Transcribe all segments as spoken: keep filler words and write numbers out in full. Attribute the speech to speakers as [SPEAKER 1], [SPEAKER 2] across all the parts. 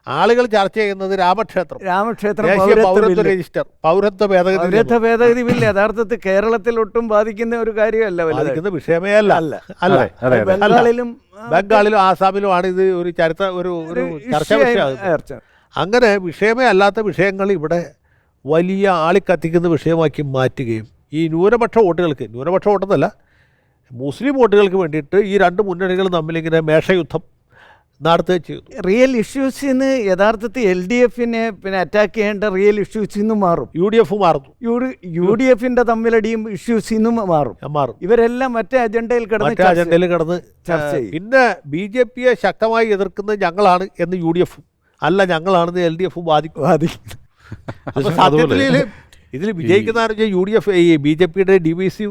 [SPEAKER 1] ആളുകൾ ചർച്ച ചെയ്യുന്നത് രാമക്ഷേത്രം
[SPEAKER 2] രാമക്ഷേത്രം
[SPEAKER 1] പൗരത്വ രജിസ്റ്റർ പൗരത്വ ഭേദഗതി
[SPEAKER 2] പൗരത്വ ഭേദഗതി ബില്ല് യഥാർത്ഥത്തിൽ കേരളത്തിൽ ഒട്ടും ബാധിക്കുന്ന ഒരു കാര്യമല്ല,
[SPEAKER 1] ബാധിക്കുന്ന വിഷയമേ അല്ല അല്ല
[SPEAKER 2] ബംഗാളിലും
[SPEAKER 1] ബംഗാളിലും ആസാമിലുമാണ് ഇത് ഒരു ചരിത്ര ഒരു ഒരു ചർച്ചാ വിഷയം. അങ്ങനെ വിഷയമേ അല്ലാത്ത വിഷയങ്ങൾ ഇവിടെ വലിയ ആളിക്കത്തിക്കുന്ന വിഷയമാക്കി മാറ്റുകയും ഈ ന്യൂനപക്ഷ വോട്ടുകൾക്ക്, ന്യൂനപക്ഷ വോട്ടെന്നല്ല മുസ്ലിം വോട്ടുകൾക്ക് വേണ്ടിയിട്ട് ഈ രണ്ട് മുന്നണികളും തമ്മിലിങ്ങനെ മേഷയുദ്ധം നടത്തുകയും ചെയ്തു.
[SPEAKER 2] റിയൽ ഇഷ്യൂസിൽ നിന്ന് യഥാർത്ഥത്തിൽ എൽ ഡി എഫിനെ പിന്നെ അറ്റാക്ക് ചെയ്യേണ്ട റിയൽ ഇഷ്യൂസിൽ നിന്ന് മാറും,
[SPEAKER 1] യു ഡി എഫ് മാറുന്നു,
[SPEAKER 2] യു ഡി എഫിന്റെ തമ്മിലടിയും ഇഷ്യൂസിൽ നിന്നും മാറും മാറും ഇവരെല്ലാം മറ്റേ അജണ്ടയിൽ കിടന്ന്
[SPEAKER 1] അജണ്ടയിൽ കിടന്ന് ചർച്ച ചെയ്യും. പിന്നെ ബി ജെ പിയെ ശക്തമായി എതിർക്കുന്നത് ഞങ്ങളാണ് എന്ന് യു ഡി എഫും അല്ല ഞങ്ങളാണെന്ന് എൽ ഡി എഫും വാദിക്കും വാദിക്കും അപ്പോൾ സത്യത്തിൽ ഇതിൽ വിജയിക്കുന്ന ആരും യു ഡി എഫ് ഈ ബി ജെ പിയുടെ ഡി വി സി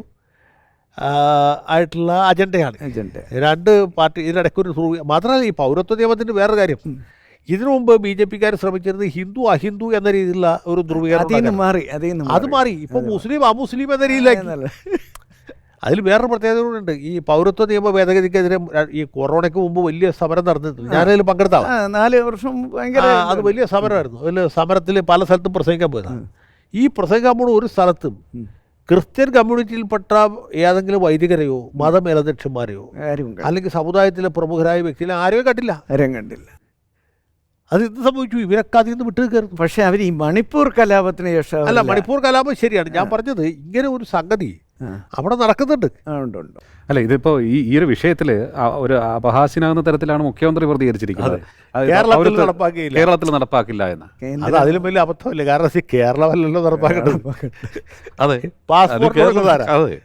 [SPEAKER 1] ആയിട്ടുള്ള അജണ്ടയാണ്. അജണ്ട രണ്ട് പാർട്ടി ഇതിനിടയ്ക്ക് ഒരു മാത്രമല്ല ഈ പൗരത്വ നിയമത്തിൻ്റെ വേറൊരു കാര്യം, ഇതിനു മുമ്പ് ബി ജെ പിക്കാർ ശ്രമിച്ചിരുന്നത് ഹിന്ദു അഹിന്ദു എന്ന രീതിയിലുള്ള ഒരു ധ്രുവീകരണം മാറി, അത് മാറി ഇപ്പോൾ മുസ്ലിം അമുസ്ലിം എന്ന രീതിയിലായി. അതിൽ വേറൊരു പ്രത്യേകത കൂടെ ഉണ്ട്. ഈ പൗരത്വ നിയമ ഭേദഗതിക്കെതിരെ ഈ കൊറോണയ്ക്ക് മുമ്പ് വലിയ സമരം നടന്നിട്ടുണ്ട്. ഞാനതിൽ പങ്കെടുത്താണ്.
[SPEAKER 2] നാല് വർഷം ഭയങ്കര
[SPEAKER 1] അത് വലിയ സമരമായിരുന്നു. അതിൽ സമരത്തിൽ പല സ്ഥലത്തും പ്രസംഗിക്കാൻ പോയതാണ്. ഈ പ്രസംഗിക്കാൻ പോകുന്ന ഒരു സ്ഥലത്തും ക്രിസ്ത്യൻ കമ്മ്യൂണിറ്റിയിൽപ്പെട്ട ഏതെങ്കിലും വൈദികരെയോ മതമേലധ്യക്ഷന്മാരെയോ അല്ലെങ്കിൽ സമുദായത്തിലെ പ്രമുഖരായ വ്യക്തികളെ ആരെയും കണ്ടില്ല, ആരെയും കണ്ടില്ല. അത് എന്ത് സംഭവിച്ചു? ഇവരൊക്കെ അതിൽ നിന്ന് വിട്ടു കയറുന്നു.
[SPEAKER 2] പക്ഷെ അവർ ഈ മണിപ്പൂർ കലാപത്തിന് ശേഷം
[SPEAKER 1] അല്ല, മണിപ്പൂർ കലാപം ശരിയാണ്. ഞാൻ പറഞ്ഞത് ഇങ്ങനെ ഒരു സംഗതി അവിടെ നടക്കുന്നുണ്ട്.
[SPEAKER 3] അല്ല, ഇതിപ്പോ ഈ ഈ ഒരു വിഷയത്തിൽ ഒരു അപഹാസ്യനാകുന്ന തരത്തിലാണ് മുഖ്യമന്ത്രി പ്രതികരിച്ചിരിക്കുന്നത്. കേരളത്തിൽ നടപ്പാക്കില്ല എന്ന്.
[SPEAKER 1] അത് അതിലും വലിയ അബദ്ധമല്ലേ? കാരണം കേരളമല്ലല്ലോ നടപ്പാക്കേണ്ടത്.
[SPEAKER 3] അതെ,
[SPEAKER 1] പാസ്പോർട്ട്
[SPEAKER 2] കേരളത്തിൽ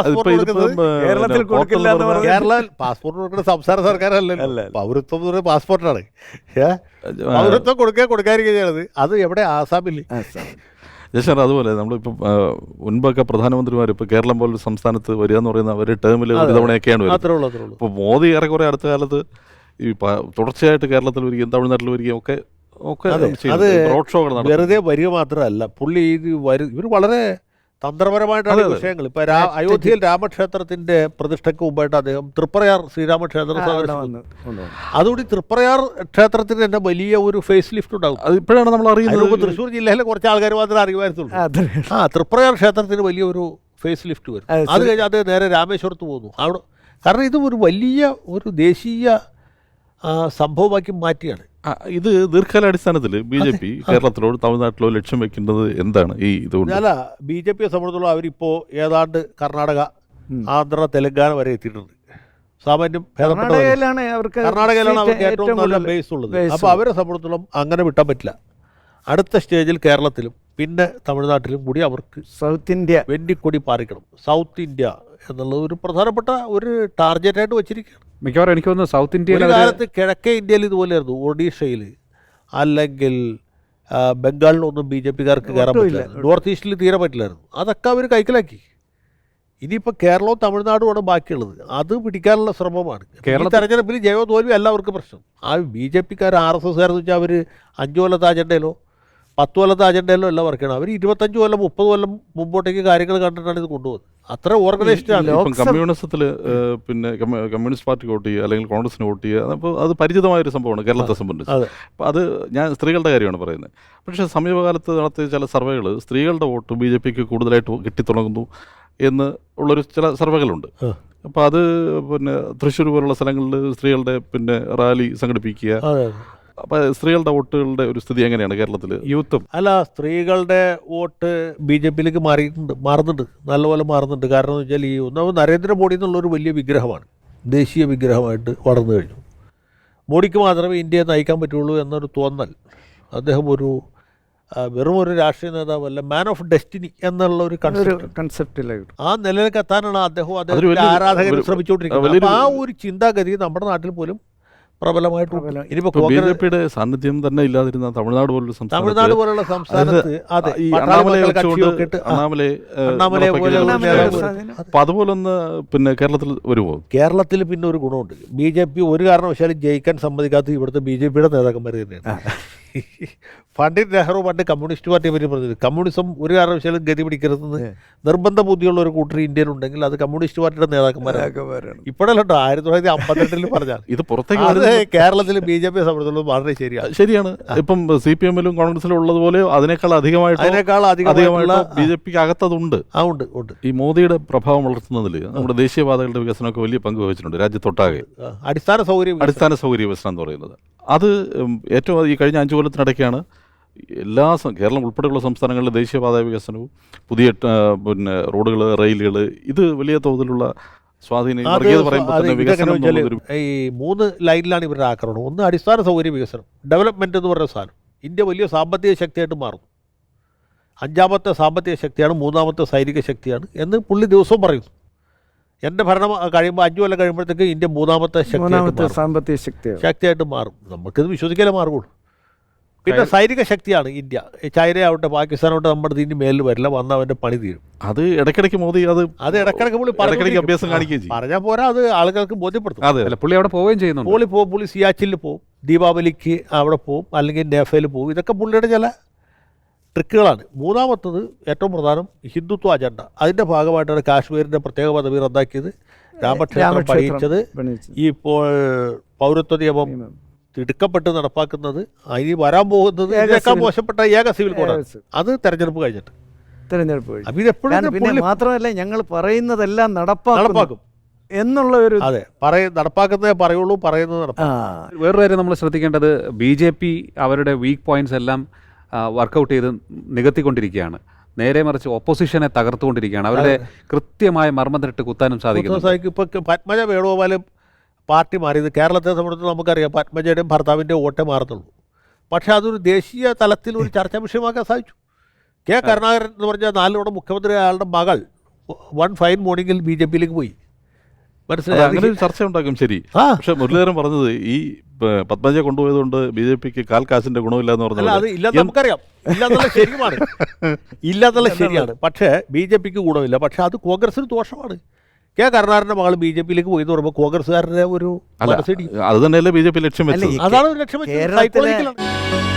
[SPEAKER 2] കൊടുക്കില്ല എന്ന് പറഞ്ഞാൽ
[SPEAKER 1] കേരള പാസ്പോർട്ട് കൊടുക്കുന്ന സംസ്ഥാന സർക്കാരല്ലല്ലോ. പൗരത്വം എന്ന് പറയുന്നത് പാസ്പോർട്ടാണ്. പൗരത്വം കൊടുക്കുക കൊടുക്കാതിരിക്കുക ചെയ്യണത് അത് എവിടെ? ആസാമിൽ.
[SPEAKER 4] ജയശങ്കർ, അതുപോലെ നമ്മളിപ്പോൾ മുൻപൊക്കെ പ്രധാനമന്ത്രിമാർ ഇപ്പോൾ കേരളം പോലൊരു സംസ്ഥാനത്ത് വരിക എന്ന് പറയുന്ന ഒരു ടേമിൽ ഒരു തവണയൊക്കെയാണ് വരുന്നത്. ഇപ്പോൾ മോദി ഏറെക്കുറെ അടുത്ത കാലത്ത് ഈ തുടർച്ചയായിട്ട് കേരളത്തിൽ വരികയും തമിഴ്നാട്ടിൽ വരികയും ഒക്കെ ഒക്കെ റോഡ് ഷോകൾ നടത്തും.
[SPEAKER 1] വെറുതെ വരിക മാത്രമല്ല, പുള്ളി ഇത് വരും ഇവർ വളരെ തന്ത്രപരമായിട്ടാണ് വിഷയങ്ങൾ. ഇപ്പൊ അയോധ്യയിൽ രാമക്ഷേത്രത്തിന്റെ പ്രതിഷ്ഠയ്ക്ക് മുമ്പായിട്ട് അദ്ദേഹം തൃപ്രയാർ ശ്രീരാമക്ഷേത്രം അതുകൂടി തൃപ്രയാർ ക്ഷേത്രത്തിന് തന്നെ വലിയ ഒരു ഫേസ് ലിഫ്റ്റ് ഉണ്ടാകും.
[SPEAKER 4] അത് ഇപ്പോഴാണ് നമ്മൾ അറിയുന്നത്.
[SPEAKER 1] തൃശ്ശൂർ ജില്ലയിലെ കുറച്ച് ആൾക്കാർ മാത്രമേ അറിയുമായിരുന്നുള്ളൂ. ആ തൃപ്രയാർ ക്ഷേത്രത്തിന് വലിയൊരു ഫേസ് ലിഫ്റ്റ് വരും. അത് കഴിഞ്ഞ് അത് നേരെ രാമേശ്വരത്ത് പോകുന്നു അവിടെ. കാരണം ഇത് ഒരു വലിയ ഒരു ദേശീയ സംഭവമാക്കി മാറ്റിയാണ്.
[SPEAKER 4] ഇത് ദീർഘകാലാടിസ്ഥാനത്തിൽ ബി ജെ പി കേരളത്തിലോ തമിഴ്നാട്ടിലോ ലക്ഷ്യം വെക്കേണ്ടത് എന്താണ്? ഈ ഇതുകൊണ്ട്
[SPEAKER 1] അല്ല, ബി ജെ പിയെ സംബന്ധിച്ചോളം അവരിപ്പോൾ ഏതാണ്ട് കർണാടക, ആന്ധ്ര, തെലങ്കാന വരെ എത്തിയിട്ടുണ്ട്. സാമാന്യം
[SPEAKER 2] കർണാടകയിലാണ് അവർക്ക്
[SPEAKER 1] ഏറ്റവും നല്ല ബേസ് ഉള്ളത്. അപ്പോൾ അവരെ സംബന്ധിച്ചോളം അങ്ങനെ വിട്ടാൻ പറ്റില്ല. അടുത്ത സ്റ്റേജിൽ കേരളത്തിലും പിന്നെ തമിഴ്നാട്ടിലും കൂടി അവർക്ക്
[SPEAKER 2] സൗത്ത് ഇന്ത്യ
[SPEAKER 1] വെന്നിക്കൊടി പാറിക്കണം. സൗത്ത് ഇന്ത്യ എന്നുള്ളത് ഒരു പ്രധാനപ്പെട്ട ഒരു ടാർഗറ്റായിട്ട് വെച്ചിരിക്കുകയാണ്.
[SPEAKER 3] മിക്കവാറും എനിക്ക് തോന്നുന്നു സൗത്ത് ഇന്ത്യയിൽ
[SPEAKER 1] കാലത്ത് കിഴക്കേ ഇന്ത്യയിൽ ഇതുപോലെയായിരുന്നു. ഒഡീഷയിൽ അല്ലെങ്കിൽ ബംഗാളിലൊന്നും ബി ജെ പിക്കാർക്ക് കയറാൻ പറ്റില്ല. നോർത്ത് ഈസ്റ്റിൽ തീരെ പറ്റില്ലായിരുന്നു. അതൊക്കെ അവർ കൈക്കലാക്കി. ഇനിയിപ്പോൾ കേരളവും തമിഴ്നാടുമാണ് ബാക്കിയുള്ളത്. അത് പിടിക്കാനുള്ള ശ്രമമാണ്. കേരള തെരഞ്ഞെടുപ്പിൽ ജയോ തോൽവി എല്ലാവർക്കും പ്രശ്നം. ആ ബി ജെ പിക്കാർ ആർ എസ് എസ്കാരെന്ന് വെച്ചാൽ അവർ അഞ്ചു കൊല്ലത്തെ അജണ്ടയിലോ പത്ത് കൊല്ലത്തെ അജണ്ടയിലോ എല്ലാം വർക്ക് ചെയ്യണം. അവർ ഇരുപത്തഞ്ച് കൊല്ലം മുപ്പത് കൊല്ലം മുമ്പോട്ടേക്ക് കാര്യങ്ങൾ കണ്ടിട്ടാണ് ഇത് കൊണ്ടുപോകുന്നത്. അത്ര ഓർഗനൈസ്ഡ് ആണ്.
[SPEAKER 4] ഇപ്പം കമ്മ്യൂണിസത്തിൽ പിന്നെ കമ്മ്യൂണിസ്റ്റ് പാർട്ടിക്ക് വോട്ട് ചെയ്യുക അല്ലെങ്കിൽ കോൺഗ്രസിന് വോട്ട് ചെയ്യുക, അപ്പോൾ അത് പരിചിതമായൊരു സംഭവമാണ് കേരളത്തെ സംബന്ധിച്ച്. അപ്പോൾ അത് ഞാൻ സ്ത്രീകളുടെ കാര്യമാണ് പറയുന്നത്. പക്ഷേ സമീപകാലത്ത് നടത്തിയ ചില സർവേകൾ സ്ത്രീകളുടെ വോട്ട് ബി ജെ പിക്ക് കൂടുതലായിട്ട് കിട്ടിത്തുടങ്ങുന്നു എന്ന് ഉള്ളൊരു ചില സർവേകളുണ്ട്. അപ്പോൾ അത് പിന്നെ തൃശ്ശൂർ പോലുള്ള സ്ഥലങ്ങളിൽ സ്ത്രീകളുടെ പിന്നെ റാലി സംഘടിപ്പിക്കുക. അപ്പോൾ സ്ത്രീകളുടെ വോട്ടുകളുടെ ഒരു സ്ഥിതി എങ്ങനെയാണ് കേരളത്തിൽ?
[SPEAKER 1] യൂത്തും അല്ല, സ്ത്രീകളുടെ വോട്ട് ബി ജെ പിയിലേക്ക് മാറിയിട്ടുണ്ട്, മാറുന്നുണ്ട്, നല്ലപോലെ മാറുന്നുണ്ട്. കാരണം എന്ന് വെച്ചാൽ ഈ ഒന്നാമത് നരേന്ദ്രമോദി എന്നുള്ളൊരു വലിയ വിഗ്രഹമാണ്, ദേശീയ വിഗ്രഹമായിട്ട് വളർന്നു കഴിഞ്ഞു. മോഡിക്ക് മാത്രമേ ഇന്ത്യയെ നയിക്കാൻ പറ്റുള്ളൂ എന്നൊരു തോന്നൽ. അദ്ദേഹം ഒരു വെറും ഒരു രാഷ്ട്രീയ നേതാവല്ല, മാൻ ഓഫ് ഡെസ്റ്റിനി എന്നുള്ള ഒരു
[SPEAKER 2] കൺസെപ്റ്റിലായിട്ട്
[SPEAKER 1] ആ നിലയിലേക്ക് എത്താനാണ് അദ്ദേഹവും അദ്ദേഹത്തിന്റെ ആരാധകർ ശ്രമിച്ചുകൊണ്ടിരിക്കുന്നത്. അപ്പോൾ ആ ഒരു ചിന്താഗതി നമ്മുടെ നാട്ടിൽ പോലും പ്രബലമായിട്ട്
[SPEAKER 4] ബി ജെ പിയുടെ സാന്നിധ്യം തന്നെ ഇല്ലാതിരുന്ന തമിഴ്നാട് പോലുള്ള
[SPEAKER 1] തമിഴ്നാട് പോലുള്ള സംസ്ഥാനത്ത്
[SPEAKER 4] അപ്പൊ അതുപോലൊന്ന് പിന്നെ കേരളത്തിൽ വരുമോ?
[SPEAKER 1] കേരളത്തിൽ പിന്നെ ഒരു ഗുണമുണ്ട്. ബി ജെ പി ഒരു കാരണവശാലും ജയിക്കാൻ സമ്മതിക്കാത്ത ഇവിടുത്തെ ബി ജെ പിയുടെ നേതാക്കന്മാർ തന്നെയാണ്. പണ്ഡിറ്റ് നെഹ്റു പണ്ട് കമ്മ്യൂണിസ്റ്റ് പാർട്ടിയെ പറ്റി പറഞ്ഞത് കമ്മ്യൂണിസം ഒരു കാരണവശാലും ഗതി പിടിക്കരുതെന്ന് നിർബന്ധ ബുദ്ധിയുള്ള ഒരു കൂട്ടർ ഇന്ത്യയിലുണ്ടെങ്കിൽ അത് കമ്മ്യൂണിസ്റ്റ് പാർട്ടിയുടെ നേതാക്കന്മാരാണ്. ഇപ്പോഴല്ലോ ആയിരത്തി തൊള്ളായിരത്തി അമ്പത്തെട്ടിൽ പറഞ്ഞാൽ
[SPEAKER 4] ഇത് പുറത്തേക്ക്
[SPEAKER 1] കേരളത്തിൽ ബി ജെ പിയെ സംബന്ധിച്ചിടത്തോളം വളരെ ശരിയാണ്.
[SPEAKER 4] ശരിയാണ്. ഇപ്പം സി പി എമ്മിലും കോൺഗ്രസിലും ഉള്ളതുപോലെ അതിനേക്കാൾ അധികമായിട്ട്
[SPEAKER 1] അതിനേക്കാൾ അധികമായിട്ടുള്ള
[SPEAKER 4] ബി ജെ പിക്ക് അകത്തതുണ്ട്.
[SPEAKER 1] ആ ഉണ്ട് ഉണ്ട്.
[SPEAKER 4] ഈ മോദിയുടെ പ്രഭാവം വളർത്തുന്നതിൽ നമ്മുടെ ദേശീയപാതകളുടെ വികസനമൊക്കെ വലിയ പങ്ക് വഹിച്ചിട്ടുണ്ട് രാജ്യത്തൊട്ടാകെ.
[SPEAKER 1] അടിസ്ഥാന സൗകര്യം
[SPEAKER 4] അടിസ്ഥാന സൗകര്യ വികസനം എന്ന് പറയുന്നത് അത് ഏറ്റവും ഈ കഴിഞ്ഞ അഞ്ചു കൊല്ലത്തിനിടയ്ക്കാണ് എല്ലാ കേരളം ഉൾപ്പെടെയുള്ള സംസ്ഥാനങ്ങളിലെ ദേശീയപാത വികസനവും പുതിയ പിന്നെ റോഡുകൾ, റെയിലുകൾ, ഇത് വലിയ തോതിലുള്ള സ്വാധീനം.
[SPEAKER 1] ഈ മൂന്ന് ലൈനിലാണ് ഇവരുടെ ആക്രമണം. ഒന്ന് അടിസ്ഥാന സൗകര്യ വികസനം, ഡെവലപ്മെൻറ്റ് എന്ന് പറയുന്ന സാധനം. ഇന്ത്യ വലിയ സാമ്പത്തിക ശക്തിയായിട്ട് മാറുന്നു. അഞ്ചാമത്തെ സാമ്പത്തിക ശക്തിയാണ്, മൂന്നാമത്തെ സൈനിക ശക്തിയാണ് എന്ന് പുള്ളി ദിവസവും പറയുന്നു. എൻ്റെ ഭരണം കഴിയുമ്പോൾ അഞ്ചു കൊല്ലം കഴിയുമ്പോഴത്തേക്ക് ഇന്ത്യ മൂന്നാമത്തെ ശക്തി
[SPEAKER 2] സാമ്പത്തിക ശക്തി
[SPEAKER 1] ശക്തിയായിട്ട് മാറും. നമുക്കിത് വിശ്വസിക്കാനേ മാറുള്ളൂ. പിന്നെ സൈനിക ശക്തിയാണ് ഇന്ത്യ. ചൈനയാവട്ടെ പാകിസ്ഥാനാവട്ടെ നമ്മുടെ ഇതിന് മേലിൽ വരില്ല, വന്ന അവൻ്റെ പണി തീരും.
[SPEAKER 4] അത് ഇടയ്ക്കിടയ്ക്ക് മോദി അത്
[SPEAKER 1] അത് ഇടയ്ക്കിടയ്ക്ക് പുള്ളി
[SPEAKER 4] ഇടയ്ക്കിടയ്ക്ക് അഭ്യാസം കാണിക്കുകയും ചെയ്യും.
[SPEAKER 1] പറഞ്ഞാൽ പോരാ, അത് ആളുകൾക്ക് ബോധ്യപ്പെടുത്തും.
[SPEAKER 3] അതെ, പുള്ളി അവിടെ പോവുകയും ചെയ്യുന്നു.
[SPEAKER 1] പുള്ളി പോകും, പുള്ളി സിയാച്ചിൽ പോകും, ദീപാവലിക്ക് അവിടെ പോകും, അല്ലെങ്കിൽ നേഫയിൽ പോകും. ഇതൊക്കെ പുള്ളിയുടെ ചില ട്രിക്കുകളാണ്. മൂന്നാമത്തത് ഏറ്റവും പ്രധാനം ഹിന്ദുത്വ അജണ്ട. അതിൻ്റെ ഭാഗമായിട്ടാണ് കാശ്മീരിൻ്റെ പ്രത്യേക പദവി റദ്ദാക്കിയത്, രാമക്ഷേത്രം പണിയിച്ചത്, ഈ ഇപ്പോൾ പൗരത്വ നിയമം തിടുക്കപ്പെട്ട് നടപ്പാക്കുന്നത്, ഇനി വരാൻ പോകുന്നത് ഇതിനേക്കാൾ മോശപ്പെട്ട ഏക സിവിൽ കോഡാണ്. അത് തെരഞ്ഞെടുപ്പ് കഴിഞ്ഞിട്ട്
[SPEAKER 2] തെരഞ്ഞെടുപ്പ് പിന്നെ മാത്രമല്ല ഞങ്ങൾ പറയുന്നതെല്ലാം നടപ്പാക്കും എന്നുള്ള ഒരു
[SPEAKER 1] അതെ പറയ നടപ്പാക്കുന്നതേ പറയുള്ളൂ, പറയുന്നത് നടപ്പാക്കും.
[SPEAKER 3] വേറൊരു കാര്യം നമ്മൾ ശ്രദ്ധിക്കേണ്ടത്, ബി ജെ പി അവരുടെ വീക്ക് പോയിന്റ്സ് എല്ലാം വർക്കൗട്ട് ചെയ്ത് നികത്തിക്കൊണ്ടിരിക്കുകയാണ്. നേരെ മറിച്ച് ഓപ്പോസിഷനെ തകർത്തുകൊണ്ടിരിക്കുകയാണ്. അവരുടെ കൃത്യമായ മർമ്മത്തിട്ട് കുത്താനും സാധിക്കുന്നു.
[SPEAKER 1] ഇപ്പോൾ പത്മജ വേണുഗോപാലും പാർട്ടി മാറിയത് കേരളത്തെ സംബന്ധിച്ച് നമുക്കറിയാം. പത്മജയുടെയും ഭർത്താവിൻ്റെ വോട്ടേ മാറത്തുള്ളൂ. പക്ഷേ അതൊരു ദേശീയ തലത്തിൽ ഒരു ചർച്ചാ വിഷയമാക്കാൻ സാധിച്ചു. കെ കരുണാകരൻ എന്ന് പറഞ്ഞാൽ നാലിലൂടെ മുഖ്യമന്ത്രി, അയാളുടെ മകൾ വൺ ഫൈൻ മോർണിംഗിൽ ബി ജെ പിയിലേക്ക് പോയി.
[SPEAKER 4] മനസ്സിലായി, അങ്ങനെ ഒരു ചർച്ച ഉണ്ടാക്കും. ശരി. പക്ഷെ മുരളീധരൻ പറഞ്ഞത് ഈ പത്മജയെ കൊണ്ടുപോയതുകൊണ്ട് ബി ജെ പിക്ക് കാൽ കാശിന്റെ ഗുണമില്ല എന്ന് പറഞ്ഞാൽ
[SPEAKER 1] അത് ഇല്ലെന്ന് നമുക്കറിയാം. ഇല്ലെന്നുള്ള ശരിയുമാണ്, ഇല്ലെന്നുള്ള ശരിയാണ്. പക്ഷേ ബി ജെ പിക്ക് ഗുണമില്ല. പക്ഷെ അത് കോൺഗ്രസിന് ദോഷമാണ്. കെ കരുണാകരൻ്റെ മകൾ ബി ജെ പിയിലേക്ക് പോയി എന്ന് പറയുമ്പോൾ കോൺഗ്രസ്സുകാരുടെ ഒരു
[SPEAKER 4] അത് തന്നെയല്ലേ ബി ജെ പി ലക്ഷ്യം വെച്ചത്.
[SPEAKER 1] അതാണ് ലക്ഷ്യം വെച്ചത്.